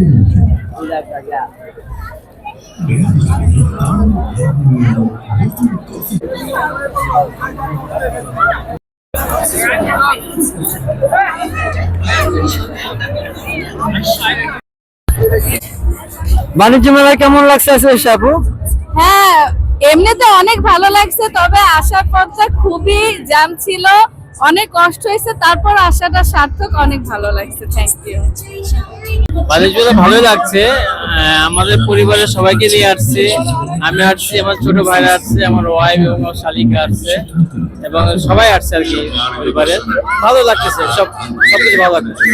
বাণিজ্য মেলায় কেমন লাগছে আপু? হ্যাঁ, এমনিতে অনেক ভালো লাগছে, তবে আসার পথটা খুবই জ্যাম ছিল, অনেক কষ্ট হয়েছে, তারপর আসাটা সার্থক, অনেক ভালো লাগছে। Thank you. বাণিজ্য মেলা ভালোই লাগছে, আমাদের পরিবারের সবাইকে নিয়ে আসছে। আমি আসছি, আমার ছোট ভাইরা আসছে, আমার ওয়াইফ এবং আমার শালিকা আসছে, এবং সবাই আসছে আর কি পরিবারের। ভালো লাগতেছে, সবকিছু ভালো লাগতেছে,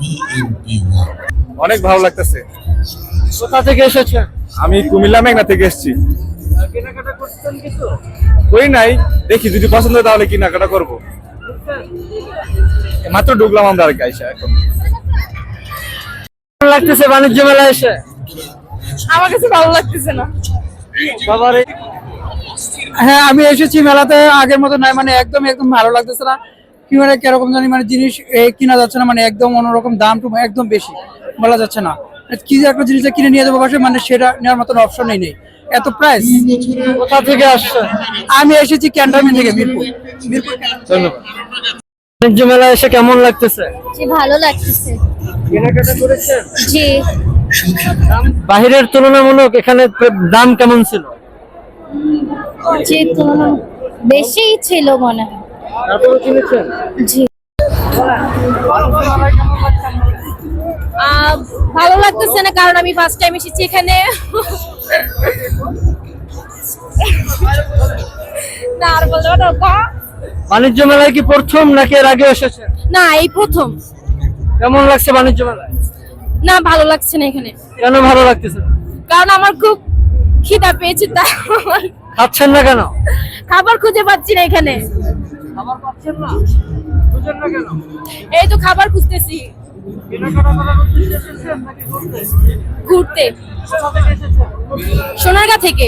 অনেক ভালো লাগতেছে। কোথা থেকে এসেছে? আমি কুমিল্লা মেঘনা থেকে এসেছি। কেনাকাটা করছেন কিছু? করি নাই, দেখি যদি পছন্দ হয় তাহলে কেনাকাটা করবো। মাত্র ঢুকলাম আমরা আর কি আইসা এখন। কেমন লাগতেছে বাণিজ্য মেলায় এসে? আমার কাছে ভালো লাগতেছে না। বাবারে, হ্যাঁ, আমি এসেছি মেলাতে, আগের মতো নাই, মানে একদম ভালো লাগতেছে না। কি মানে কিরকম জানি, মানে জিনিস কিনা যাচ্ছে না, মানে একদম অন্যরকম, দাম একদম বেশি, বলা যাচ্ছে না। কি যে একটা জিনিস কিনে নিয়ে যাবো বাসায়, মানে সেটা নেওয়ার মতন অপশনই নেই, এত প্রাইস। কোথা থেকে আসছে? আমি এসেছি ক্যান্টনমেন্ট থেকে, মিরপুর। ধন্যবাদ। বাণিজ্য মেলায় এসে কেমন লাগতেছে? জি, ভালো লাগতেছে। কেনাকাটা করেছেন? জি, বাহিরের তুলনামূলক এখানে দাম কেমন ছিল? জি, তুলনা বেশি ছিল মনে হয়। তারপরে কিনেছেন? জি, ভালো লাগতেছে না, কারণ আমি ফার্স্ট টাইম এসেছি এখানে। না, আর বলবো না। বাণিজ্য মেলায় কি প্রথম নাকি এর আগে এসেছেন? না, এই প্রথম। কেমন লাগছে বাণিজ্য মেলায়? না, ভালো লাগছে না এখানে, কেন ভালো লাগতেছে? কারণ আমার খুব খিদা পেয়েছে, তাই খাচ্ছেন না কেন? খাবার খুঁজে পাচ্ছি না এখানে। খাবার পাচ্ছেন না? বুঝেন না কেন? এই তো খাবার খুঁজতেছি। কেনাকাটা করার উদ্দেশ্যে এসেছেন নাকি ঘুরতে? ঘুরতে। কোথা থেকে এসেছেন? সোনারগাঁ থেকে।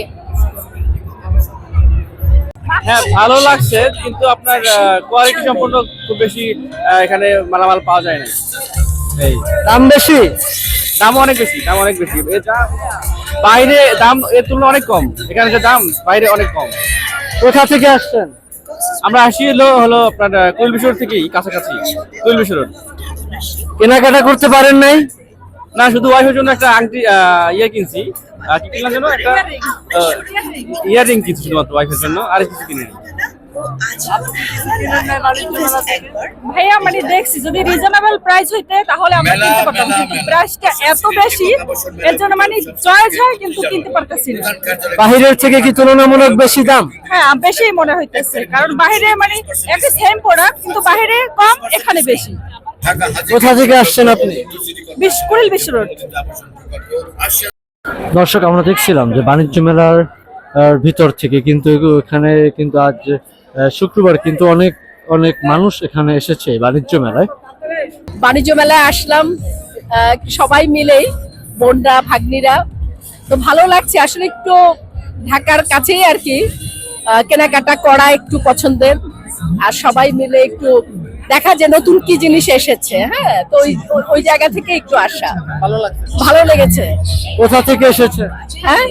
হ্যাঁ, ভালো লাগছে, কিন্তু আপনার কোয়ালিটি সম্পূর্ণ খুব বেশি এখানে মালামাল পাওয়া যায় না। এই দাম বেশি? দাম অনেক বেশি, দাম অনেক বেশি। এটা বাইরে দাম এর তুলনায় অনেক কম, এখানে যে দাম বাইরে অনেক কম। কোথা থেকে আসছেন? আমরা আসি হলো আপনার কুইল বিশ্বর থেকেই, কাছাকাছি কুইল বিশ্বর। কেনাকাটা করতে পারেন নাই? না, শুধু ওয়াইফের জন্য একটা আংটি ইয়ে কিনছি। কি কিনলাম যেন, একটা ইয়াররিং কিনছি শুধুমাত্র ওয়াইফের জন্য, আর কিছু কিনিনি। ভাইয়া, মানে দেখছি যদি রিজনেবল প্রাইস হইতে তাহলে আমরা কিনতে পারতাম, কিন্তু প্রাইসটা এত বেশি, এর জন্য মানে চয়েস হয় কিন্তু কিনতে পারতেছি না। বাহিরের থেকে কি তুলনামূলক বেশি দাম? হ্যাঁ, বেশি মনে হইতেছে, কারণ বাইরে মানে একই সেম প্রোডাক্ট, কিন্তু বাইরে কম, এখানে বেশি। কোথা থেকে আসছেন আপনি? কুড়িল বিশ্ব রোড। দর্শক, আমরা দেখছিলাম যে বাণিজ্য মেলার ভিতর থেকে, কিন্তু এখানে কিন্তু আজ শুক্রবার, কিন্তু অনেক অনেক মানুষ এখানে এসেছে বাণিজ্য মেলায়। বাণিজ্য মেলায় আসলাম সবাই মিলেই, বোনরা ভাগ্নিরা, তো ভালো লাগছে আসলে। একটু ঢাকার কাছেই আর কি, কেনাকাটা করা একটু পছন্দের, আর সবাই মিলে একটু দেখা যে নতুন কি জিনিস এসেছে। হ্যাঁ, তো ওই জায়গা থেকে একটু আসা, ভালো লেগেছে। কোথা থেকে এসেছে? হ্যাঁ,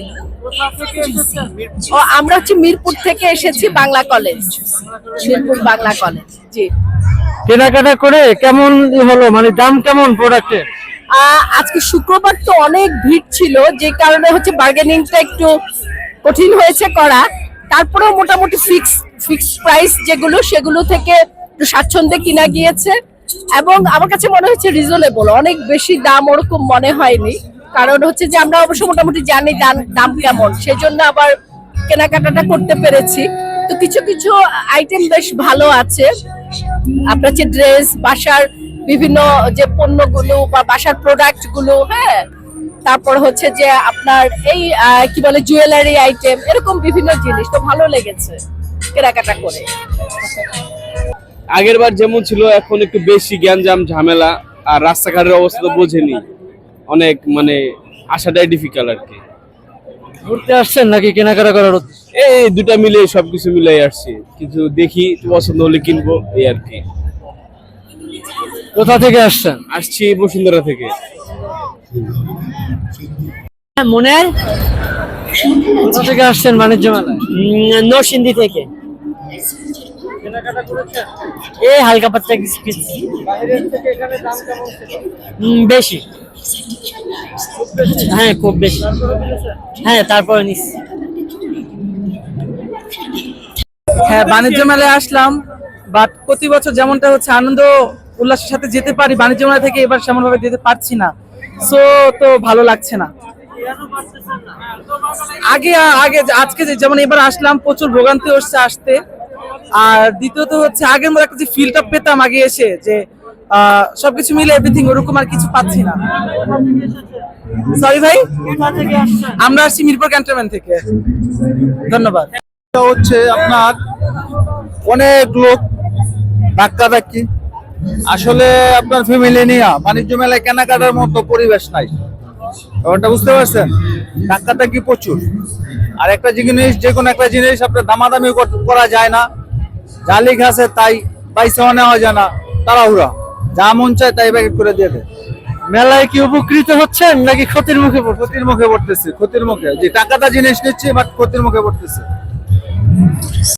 ও আমরা হচ্ছে মিরপুর থেকে এসেছি, বাংলা কলেজ, মিরপুর বাংলা কলেজ। জি। কেনাকাটা করে কেমন হলো, মানে দাম কেমন প্রোডাক্টের? আজকে শুক্রবার তো অনেক ভিড় ছিল, যে কারণে হচ্ছে বার্গেনিংটা একটু কঠিন হয়েছে করা। তারপরেও মোটামুটি ফিক্স প্রাইস যেগুলো, সেগুলো থেকে একটু স্বাচ্ছন্দ্যে কিনা গিয়েছে, এবং আমার কাছে মনে হচ্ছে রিজনেবল, অনেক বেশি দাম ওরকম মনে হয়নি। কারণ হচ্ছে যে আমরা অবশ্য মোটামুটি জানি দাম কেমন, সেই জন্য আবার কেনাকাটাটা করতে পেরেছি। তো কিছু কিছু আইটেম বেশ ভালো আছে, আপনার যে ড্রেস, বাসার বিভিন্ন যে পণ্যগুলো বা বাসার প্রোডাক্ট গুলো, হ্যাঁ, তারপর হচ্ছে যে আপনার এই কি বলে জুয়েলারি আইটেম, এরকম বিভিন্ন জিনিস, তো ভালো লেগেছে কেনাকাটা করে। আগের বার যেমন ছিল, এখন একটু বেশি গ্যাঞ্জাম ঝামেলা, আর রাস্তাঘাটের অবস্থা তো বোঝেনি, অনেক মানে আসাটাই ডিফিকাল্ট আর কি। ঘুরতে আসছেন নাকি কেনাকাটা করার উদ্দেশ্যে? এই দুটা মিলে সবকিছু মিলাই আসছি, কিছু দেখি পছন্দ হলে কিনবো, এই আর কি। কোথা থেকে আসছেন? আসছি বসুন্ধরা থেকে। মনের কোথা থেকে আসছেন বাণিজ্য মেলায়? নরসিংদী থেকে এই হালকা পাতলা কিছু কিছু বেশি, হ্যাঁ খুব বেশি, হ্যাঁ তারপরে নিচ্ছি। হ্যাঁ, বাণিজ্য মেলায় আসলাম, বাট প্রতি বছর যেমনটা হচ্ছে আনন্দ উল্লাসের সাথে যেতে পারি, বাণিজ্য মেলা থেকে এবার সেমন ভাবে যেতে পারছি না, সো তো ভালো লাগছে না। আগে আগে আজকে যেমন এবার আসলাম প্রচুর ভোগান্তি হচ্ছে আসতে, আর দ্বিতীয়ত হচ্ছে আগের মতো একটা যে ফিলটা পেতাম আগে এসে, যে সবকিছু মিলে এভরিথিং ওরকম আর কিছু পাচ্ছি না। সরি ভাই, আমরা আসছি মিরপুর ক্যান্টনমেন্ট থেকে। ধন্যবাদ। হচ্ছে আপনার অনেক লোক ধাক্কাধাক্কি, আসলে আপনার ফ্যামিলি নিয়ে বাণিজ্য মেলায় কেনাকাটার মতো পরিবেশ নাই, ব্যাপারটা বুঝতে পারছেন? ধাক্কাধাক্কি প্রচুর, আর একটা জিনিস, যে কোনো একটা জিনিস আপনার দামাদামি করা যায় না, যা লেখা আছে তাই পয়সাও নেওয়া যায় না, তাড়াহুড়া যা মন চায় তাই প্যাকেট করে দিয়ে দেয়। মেলায় কি উপকৃত হচ্ছেন নাকি ক্ষতির মুখে ক্ষতির মুখে পড়তেছে, ক্ষতির মুখে, যে টাকাটা জিনিস নিচ্ছে বাট ক্ষতির মুখে পড়তেছে।